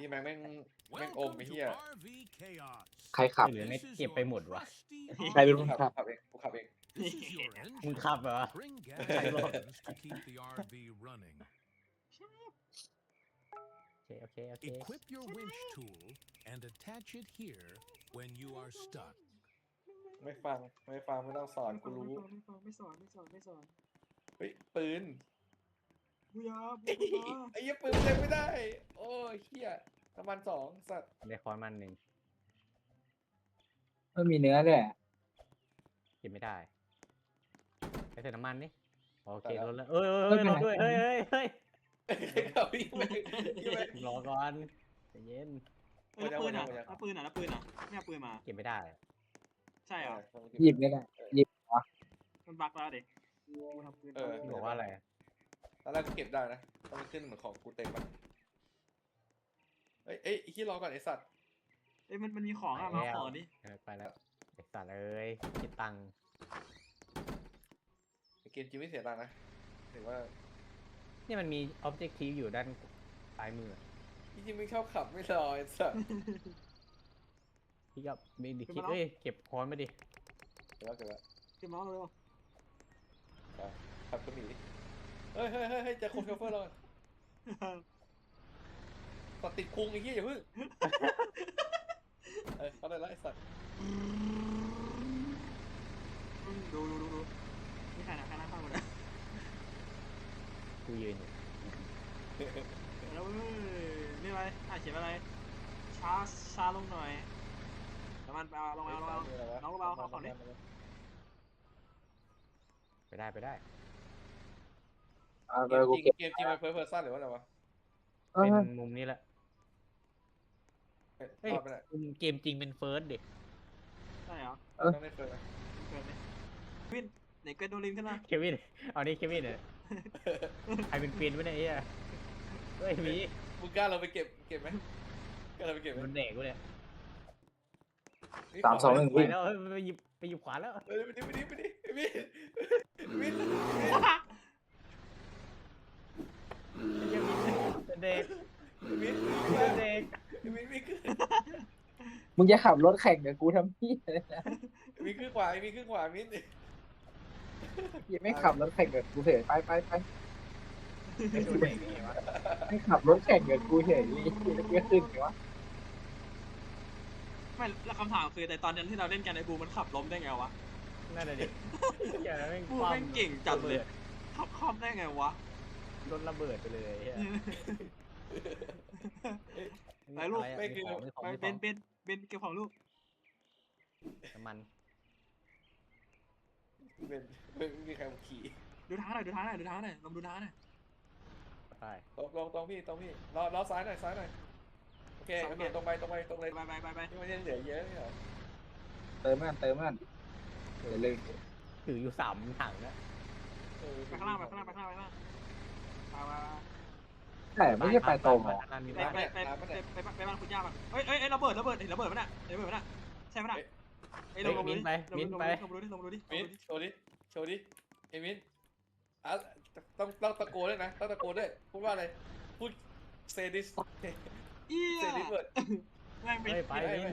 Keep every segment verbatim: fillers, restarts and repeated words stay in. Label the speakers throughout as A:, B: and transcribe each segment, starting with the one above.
A: ที่แม่งแม่งแม่งอมไอ้เหี้ย
B: ใครขับ
C: หรือไม่เก็บไปหมดวะ
B: ใครเป็น
A: กู
B: คน
A: ขับ
B: ขับ
A: ขับเองกูขับเอง
C: มึงขับเหรอ ใครบอก โอเคโอเคโอเค
D: Equip your winch tool and attach it here when you are stuck.
A: ไม่ฟังไม่ฟังไม่ต้องสอนกูรู้
B: ไม่ฟังไม่สอนไม่สอนไม่สอน
A: เฮ้ยปืน
B: บุยาบุ
A: ไอ้
B: ยา
A: เหี้ยปืนเล่นไม่ได้ โอ้ยเหี้ยประมาณสองสัตว์
C: ได้คอนมันหนึ่ง
B: ไม่มีเนื้อด้วย
C: เก็บไม่ได้ไปใส่น้ำมันนี่โอเครถแล้วเอ้ยเอ้ยรถด้วยเฮ้ยเฮ้ยเฮ้ย
A: ขับวิ่งไปวิ่งไป
C: รอก่อนใจเย็น
E: เออแล้วปืนอ่ะแล้วปืนอ่ะแล้วปืนอ่ะไม่เอาปืนมา
C: เก็บไม่ได้
E: ใช่เหรอ
B: หยิบไม่ได้หยิบ
E: มันบั๊กแล้วเด็ก
A: เออ
C: บอกว่าอะไร
A: ตอนแรกกูเก็บได้นะต้องขึ้นเหมือนของกูเต็มอะเอ้ยเอ้ยที่รอก่อนไอสัตว์
E: เอ้ยมันมันมีของอ่ะมาขอดิ
C: เออไปแล้วไอ้สัตว์เอ้ยคิดตังค์
A: เกมจริงไม่เสียตังค์นะถือว่า
C: นี่มันมี objective อยู่ด้านซ้ายมือ
A: จริงๆไม่ชอบขับไม่รอไอสัตว์
C: พี่ก็มีดิคิดเอ้ยเก็บคอนมาดิ
A: เดี๋ยวแล้วเดี๋ยวแล้ว
E: เก็บมาแล้วเร็ว
A: ขับก็มีดิเฮ้ยเฮ้ยเฮ้ยเฮ้ยจะคงโชเฟอร์เราตัดติดคุงไอ้เหี้ยอย่าเพิ่งเออเขาได้ละไอสัตว์
E: ดูดูดูดูนี่ใครนะใครนั่งข้างกูนะ
C: กูยืนอยู่
E: แล้วเว้ยนี่อะไรอ่ะเขียนอะไรช้าช้าลงหน่อยแล้วมันเอาลงมาลงมาน้องเบาเขาขอนี้
C: ไปได้ไปได้
B: อ่า
A: เก
B: เบอ
A: ม
B: ร์กู
A: จริง
B: เก็บ
A: เกมจริงมันเพิร์เพอร์ซันหรือว่าอะไรวะ
B: เออ
C: เป็นมุมนี้แหละ
A: เฮ้ย
C: เฮ้ย
A: รอดไปไหน
C: มุมเกมจริงเป็นเฟิร์สเด็ก
E: ใช่เหรอ
A: ต้องได้เฟิร์นะ
E: เกินเลยวินไหนเกินโดลินขึ้นมา
C: เควินเอานี่เควินเนี่ยใครเป็นเฟียนวะเนี่ยไอ้เหี้ยเฮ้ยมี
A: มึงกล้าเราไปเก็บเก็บไหมกล้าเราไปเก็บไหม
C: มันเด็กกูเนี่ย
B: สามสองหนึ่ง
C: ไป
B: วิ่ง
C: แล้วเฮ้ยไปหยิบไปหยิบขวานแล้ว
A: เฮ้ยไปดิไปดิไปดิไปดิวิน
C: เป็นเด็ก
A: วิน
C: เป็นเด็ก
A: วินวินขึ้น
B: มึงจะขับรถแข่งกับกูทำพี่อะไรนะ
A: วินขึ้นขวาวินขึ้นขวาวิน
B: ยังไม่ขับรถแข่งกับกูเฉยไปไปไป
C: ไม่โดนเด็กไงวะ
B: ไม่ขับรถแข่งกับกูเฉยนี่จะเกิดขึ้นไงวะ
E: ไม่แล้วคำถามคือแต่ตอนนั้นที่เราเล่นกันไอ้บูมันขับล้มได้ไงวะ
C: นั่นแหละดิอย่าแม่ง
E: บู
C: ความ
E: แม่งเก่งจัดเลยขับคล่อมได้ไงวะ
C: รถระเบิดไปเลยเหี้ย
E: ไปลูก
C: ะรอะ
A: ไม่คือ
C: ของมีของ
E: ไป
C: มี
E: เบ
C: ของ
E: นเบนเบนเก็บของลูก
C: น้ำมัน
A: เป็นไม่มีใครมาขี่
E: ดูทางหน่อยดูทางหน่อยดูทางหน่อยลองดูทางหน่อย
C: ใช่
A: ตรงตรงตรงพี่ตรงพี่รอรอซ้ายหน่อยซ้ายหน่อยโอเคโอเคตรงไปตรงไปตรงเลย
E: ไปไปไปไป
A: ที่มันยังเหลือเยอะนี่เหรอ
B: เติมมันเติมมันเดี๋ยวลืม
C: ถืออยู่สามถังนะ
A: เออ
E: ไปข้างล่างไปข้างล่างไปข้างล่างไปข้างล่างไปไป
B: แต่ไม่ใช่ไปตรงหรอ
C: มี
E: ไป
C: บ้าน
E: ไปไปไปไปไปบ้านคุณย่าป่ะเฮ้ยเฮ้ยระเบิดระเบิดเห็นระเบิดมั้ยน่ะเห็นระเบิดมั้ยน่ะใช่มั้ยน่ะเฮ้ยลงลงดูดิลงดูดิลงดูดิลงดูดิ
A: มินโชว์ดิโชว์ดิเอมินอ่ะต้องต้องตะโกนด้วยนะต้องตะโกนด้วยพูดว่าอะไรพูดเซดิส
E: อี
A: เซดิสเวิร์ด
E: แม่งเป็น
C: เฮ้ยไปนี่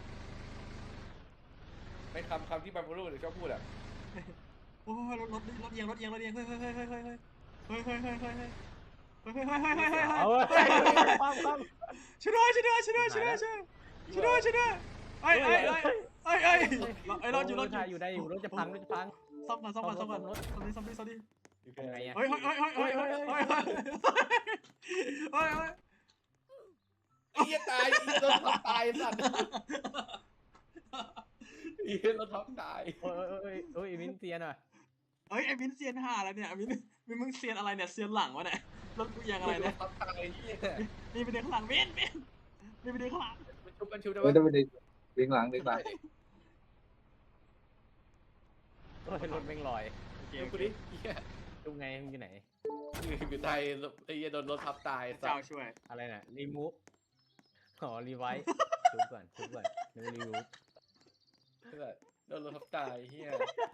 A: ไม่คำคำที่บางคนรู้หรือชอบพูดอ่ะ
E: โอ้ยรถรถรถเอียงรถเอียงรถเอียงเฮ้ยเฮ้ยเฮ้ยเฮ้ยเฮ้ยเฮ้ยเฮ้ยเฮ้ยเฮ้ยเฮ้ยเฮ้ยเฮ้ยเฮ้ยเฮ้ยเฮ้ยเฮ้ย
C: เอาเว้ยความความ
E: ช่วยด้วยช่วยด้วยช่วยด้วยช่วยด้วยช่วยด้วยช่วยด้วยเฮ้ยเฮ้ยเฮ้ยเฮ้ยเฮ้ยเฮ้ยรถอยู่รถอยู่
C: อยู่ได้อยู่รถจะพังรถจะพัง
E: ซ่อมก่อนซ่อมก่อนซ่อมก่อนซ่อมดิซ่อมดิซ่อมดิ
C: ทำไงอะ
E: เฮ้ยเฮ้ยเฮ้ยเฮ้ยเฮ้ยเฮ้ยเฮ้ยเฮ้ยเฮ้ยเฮ้ย
A: ไอ้เหี้ยตายไอ้รถทับตายสัตว์ไอ้เหี้ยรถทับตาย
C: โอ้ยโอ้ยโอ้ยมินเตียนอ่ะ
E: เฮ้ยไอ้มินเซียนห่าอะไรเนี่ยมินมินมึงเซียนอะไรเนี่ยเซียนหลังวะเนี่ยรถกูยังอะไรเนี่ย
A: รถทับตายเหี้ย
E: นี่ไปเดินข้างหลังมินมินนี่ไปเดินข้างหลัง
A: มันชุบมันชุบได้
B: ไม่
A: ไหม
B: ต้องไปดึงดึงหลังดึงหลัง
C: โอ้ยรถแม่งลอย
A: ดูกูดิเหี้ย
C: ดูไงมึงอยู่ไหน
A: อยู่ไทยไอ้เหี้ยโดนรถทับตายสั
E: เจ้า
A: ตว์
E: ช่วย
C: อะไรน่ะรีมูฟอ๋อรีไวท์ชุบก่อนชุบก่อนนึกว่ารีมูฟ
A: โดนรถทับตายเหี้ย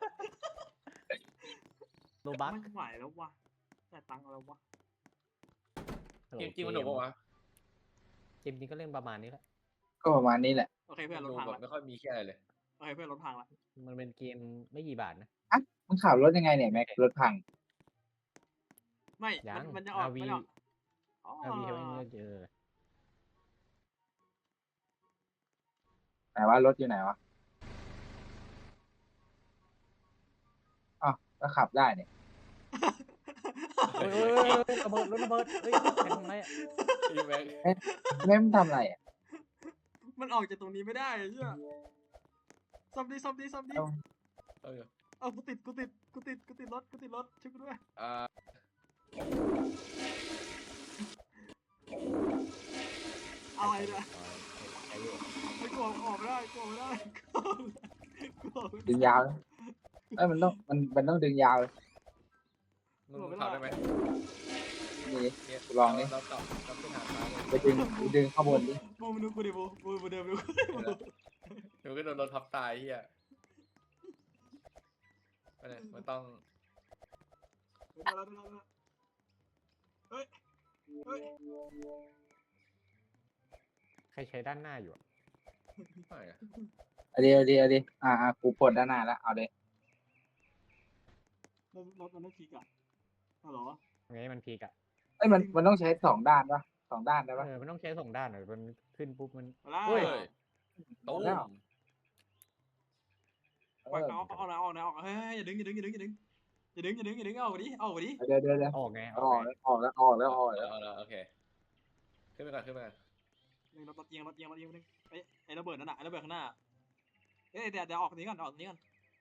C: โลบัก
E: ไม่ไหวแล้ววะแต่ตังค์แล้ววะ
A: เกมจริงมันหนุกปะวะ
C: เกมนี้ก็เล่นประมาณนี้แหละ
B: ก็ประมาณนี้แหละ
E: โอเคเพื่อนรถ
A: ดู
E: พัง
A: แบบ
E: ละ
A: ไม่ค่อยมีแค่อะไรเลย
E: โอเคเพื่อนรถพังละ
C: มันเป็นเกมไม่กี่บาทนะ
B: มึงขับรถยังไงเนี่ยแม็กรถพัง
E: ไม่
C: ยั
E: มัน
C: ง
E: มันจะออก
C: อาร์วี
E: มันจะออกอ๋อ
C: อาร์วีเขาไม่เจอ
B: ไหนว่ารถอยู่ไหนวะอ้าวก็ขับได้เนี่ย
C: เฮ้ยเฮ้ยเฮ้ยเฮ้ยระเบิดรถระเบิดเฮ้ยแทงทำไรอะ
A: พี่แม็ก
B: แม่งทำอะไรอ่ะ
E: มันออกจากตรงนี้ไม่ได้เชี่ยซ่อมดิซ่อมดิซ่อมดิ
B: เอ้า
A: เออ
E: เอากูติดกูติดกูติดกูติดรถกูติดรถช่วยกูด้วย
A: อ่า
E: อะไรเนี่ย
C: ใช้อยู่
E: ไม่กลัวออกไม่ได้กลัวไม่ได้กลัวไม่
B: ดึงยาวเลยเอ้ยมันต้องมันมันต้องดึงยาวเลย
A: มึงมึงขับได้ไหม
B: นี่
A: เนี่ย
B: ลองดิ
A: เรากลับกลับขึ้นหาดฟ้าเลย
B: ไปดึงไปดึงข้างบนดิ
E: บูมดูกูดิบูบูบูเดิมดู
A: เดี๋ยวก็โดนรถทับตายเฮียไม่ได้มันต้อง
E: เฮ้ยเฮ้ย
C: ใครใช้ด้านหน้าอยู่อะ
A: ไม่อะ
B: เอาดีเอาดีเอาดีอ่าอ่ากูปลดด้านหน้าแล้วเอาเลย
E: รถรถมันไม่พีกอะฮัลโหล
C: ไงมันพีกอะ
B: เอ้ยมันมันต้องใช้สองด้านปะสองด้านได้ปะ
C: เออมันต้องใช้สองด้านหน่อยมันขึ้นปุ๊บมัน
E: มาแล้ว
C: เฮ้ย
A: ตู้ม
B: แล้ว เอ
E: ปล่อย
B: อ
E: เอาเอาเอาเอาเอาเฮ้ยอย่าดึงอย่าดึงอย่าดึงอย่าดึงอย่าดึงอย่าดึงอย่าดึงเอาไปดิเอาไปดิ
B: เดี๋ยวเดี๋ยวเดี๋ยว
C: ออกไงอ
B: อ
C: อ
B: อก ก
C: ไง
B: แล้วออกแล้วออกแล้วออก
A: เอ
B: แล้ว
A: อเอาละโอเคขึ้นไปก่อนขึ้นไปก่อน
E: หนึ่งรถรถเอียงรถเอียงรถเอียงนึงไอ้ไอ้ระเบิดนั่นน่ะไอ้ระเบิดข้างหน้าเอ้ยเดี๋ยวเดี๋ยวออกนี้ก่อนออกนี้ก่อน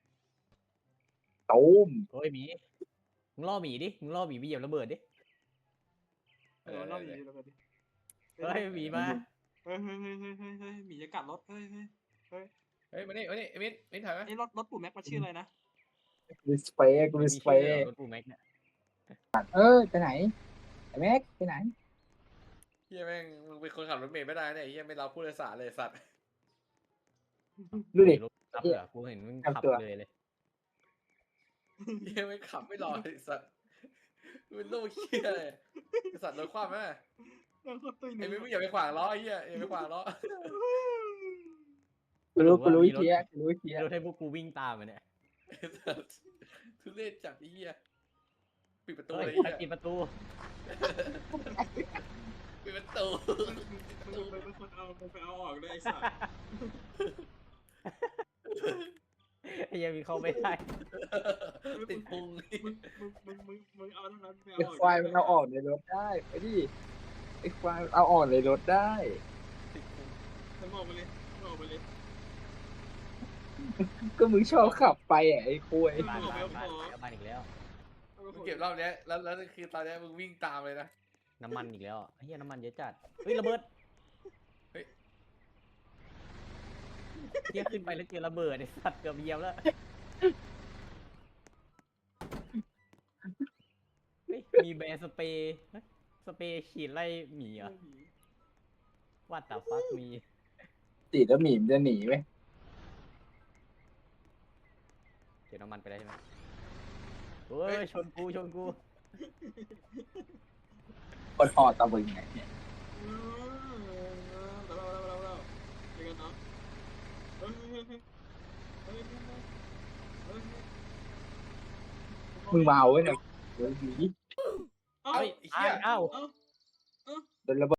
B: ตูม
C: เฮ้ยหมีมึงล่อหมีดิมึงล่อหมีไปเหยียบระเบิดดิ
E: เออรอบนี้ระเบิดดิ
C: เฮ้ยหมีมา
E: เฮ้ยเฮ้ยเฮ้ยเฮ้ยเฮ้ยเฮ้ยหมีจะกัดรถเฮ้ยเฮ้ย
A: เฮ้ยมานี่มานี่เอมินเอมินถ่ายไหม
E: ไอ้รถรถปู่แม็กมันชื่ออะไรนะ
B: รีสเปย์กูรีสเป
C: มีชื่อ
B: ย์
C: รถปูแม็กเนี่ย
B: เออไปไหนไอ้แม็กไปไหน
A: เฮียแม่งมึงเป็นคนขับรถเมล์ไม่ได้เนี่ยเฮียไม่รับผู้โดยสารเลยสัตว์
B: ดูดิ
C: รถรับเหรอกูเห็นมึงขับ
B: ทำตัว
C: เลยเลย
A: เฮียไม่ขับไม่รอเลยสัตว์มึงเป็นโรคเฮียเลยไอ้สัตว์รถคว่ำไหม
E: นั่งโคตรตุ้ยห
A: ไอ้
E: นึ่ง
A: มินมึงอย่าไปขวางล้อไอ้เฮียอย่าไปขวางล้อ
B: กูรู้กูรู้วิธีอะกูรู้วิธีอะ
C: รถให้พวกกูวิ่งตามมันเนี่ย
A: ไอ้สัตว์ทุเรศจัดไอ้เฮียปิดประตู
C: เฮ้ย
A: เลย
C: ใคร
A: ไอ้เฮีย
C: ปิดประตู
A: ปิดประตู
E: มึงเป็นคนเอามึงไปเอาออกเลยไอ้สัส
C: ไอ้เหี้ยังมีเข้าไม่ได้
A: ติดพุง
E: มึงมึงมึงมึงมึงเอาเท่านั้นไปเอา
B: ไอ้
E: ออก
B: ควายมันเอาออกในรถได้ไปดิไอ้ควายเอาออกในรถได้
A: ติดพุง
E: มึงออกไปเลยมึงออกไปเลย
B: ก็มึงชอบขับไปอ่ะไอ้คุย
C: บ้านบ้านบ้านแล้วบ้านอีกแล้ว
A: มึงเก็บรอบเนี้ยแล้วแล้วคือตอนเนี้ยมึงวิ่งตามเลยนะ
C: น้ำมันอีกแล้วไอ้เหี้ยน้ำมันเยอะจัดเฮ้ยระเบิด
A: เฮ้ย
C: เหี้ยขึ้นไปแล้วเจอระเบิดไอ้สัตว์เกือบเหยียบแล้วเฮ้ยมีแบร์สเปรย์เฮ้ยสเปรย์ฉีดไล่หมีเหรอว่าแต่ฟักมี
B: ติดแล้วหมีมนจะหนีไหม
C: เก็บน้ำมันไปได้ใช่ไหมเฮ้ยชนกูชนกู
B: คนหอตะบึงไงเนี่ย
E: เออเราเราเราเราเจอกันเนาะเฮ้ยเฮ้ยเฮ้ยเฮ้ยเฮ้ยเฮ้ย
B: มึงเมาไว้เนี่ยเดี๋ยวหนี
E: เอ้า
A: เฮ้ยไอ้เหี้ย
C: อ้าว
E: เอ้า
B: โดนระเบิด